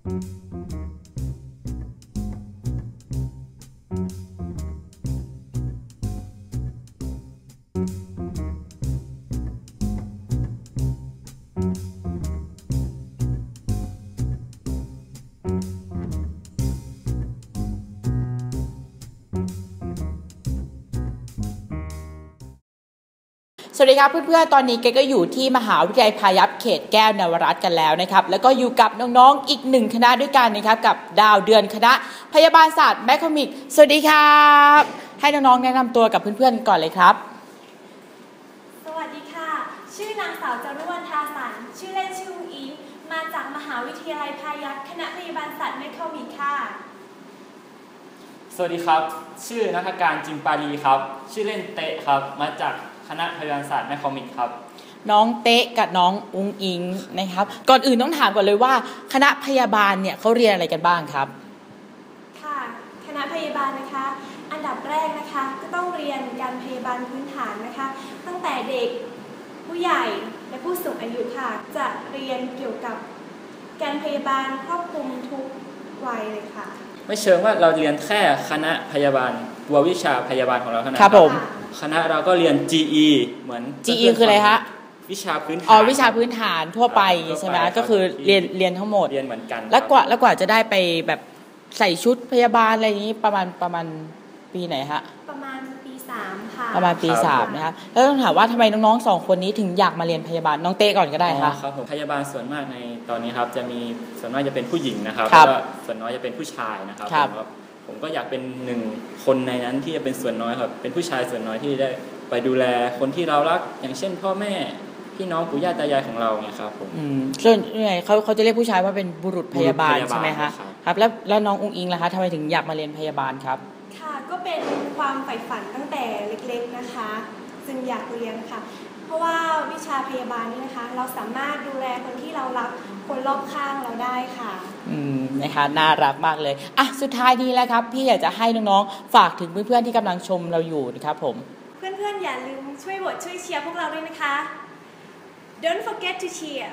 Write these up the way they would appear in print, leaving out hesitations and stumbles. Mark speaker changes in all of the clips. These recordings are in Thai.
Speaker 1: สวัสดีครับเพื่อนๆตอนนี้เกก็อยู่ที่มหาวิทยาลัยพายัพเขตแก้วนวรัตน์กันแล้วนะครับแล้วก็อยู่กับน้องๆอีกหนึ่งคณะด้วยกันนะครับกับดาวเดือนคณะพยาบาลศาสตร์แมคคอมิกสวัสดีครับให้น้องๆแนะนำตัวกับเพื่อนๆก่อนเลยครับ
Speaker 2: สวัสดีค่ะชื่อนางสาวจารุวรรณ ทาสันชื่อเล่นชื่ออุ้งอิงมาจากมหาวิทยาลัยพายัพคณะพยาบาลศาสตร์แมคคอมิกค่ะ
Speaker 3: สวัสดีครับชื่อณัฐการจิมปาลีครับชื่อเล่นเตะครับมาจากคณะพยาบาลศาสตร์แมคคอมิกครับ
Speaker 1: น้องเตะกับน้องอุ้งอิงนะครับก่อนอื่นต้องถามก่อนเลยว่าคณะพยาบาลเนี่ยเขาเรียนอะไรกันบ้างครับ
Speaker 2: ค่ะคณะพยาบาลนะคะอันดับแรกนะคะก็ต้องเรียนการพยาบาลพื้นฐานนะคะตั้งแต่เด็กผู้ใหญ่และผู้สูงอายุค่ะจะเรียนเกี่ยวกับการพยาบาลครอบคลุมทุกวัยเลยค่ะ
Speaker 3: ไม่เชิงว่าเราเรียนแค่คณะพยาบาลตัววิชาพยาบาลของเราเท่านั้น
Speaker 1: ครับผม
Speaker 3: คณะเราก็เรียน GE เหมือน
Speaker 1: GE คืออะไรฮะ
Speaker 3: วิชาพื้นฐาน
Speaker 1: วิชาพื้นฐานทั่วไปใช่ไหมก็คือเรียนทั้งหมด
Speaker 3: เรียนเหมือนกัน
Speaker 1: แล้วกว่าจะได้ไปแบบใส่ชุดพยาบาลอะไรอย่างนี้ประมาณปีไหนฮะ
Speaker 2: ประมาณปี3ค่ะ
Speaker 1: ประมาณปี3นะคะแล้วต้องถามว่าทำไมน้องๆ2คนนี้ถึงอยากมาเรียนพยาบาลน้องเต้ก่อนก็ได้ค่ะ
Speaker 3: ครับผมพยาบาลส่วนมากในตอนนี้ครับจะมีส่วนมากจะเป็นผู้หญิงนะครับแล้วก็ส่วนน้อยจะเป็นผู้ชายนะครับผมก็อยากเป็นหนึ่งคนในนั้นที่จะเป็นส่วนน้อยครับเป็นผู้ชายส่วนน้อยที่ได้ไปดูแลคนที่เรารักอย่างเช่นพ่อแม่พี่น้องปู่ย่าตายายของเราเนี่ยครับผม
Speaker 1: ส่วนใหญ่เขาจะเรียกผู้ชายว่าเป็นบุรุษพยาบาลใช่ไหมคะครับแล้วน้องอุ้งอิงล่ะคะทำไมถึงอยากมาเรียนพยาบาลครับ
Speaker 2: ค่ะก็เป็นความใฝ่ฝันตั้งแต่เล็กๆนะคะจึงอยากเรียนค่ะเพราะว่าวิชาพยาบาลนี่นะคะเราสามารถดูแลคนที่เรารักคนรอบข้างเราได้ค่ะ
Speaker 1: นะคะน่ารักมากเลยสุดท้ายนี้แล้วครับพี่อยากจะให้น้องๆฝากถึงเพื่อนๆที่กำลังชมเราอยู่นะครับผม
Speaker 2: เพื่อนๆอย่าลืมช่วยโหวตช่วยเชียร์พวกเราด้วยนะคะ Don't forget to cheer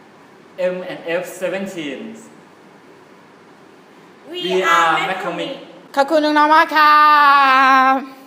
Speaker 3: M&F17
Speaker 2: We are McCormick
Speaker 1: ขอบคุณน้องๆมากครับ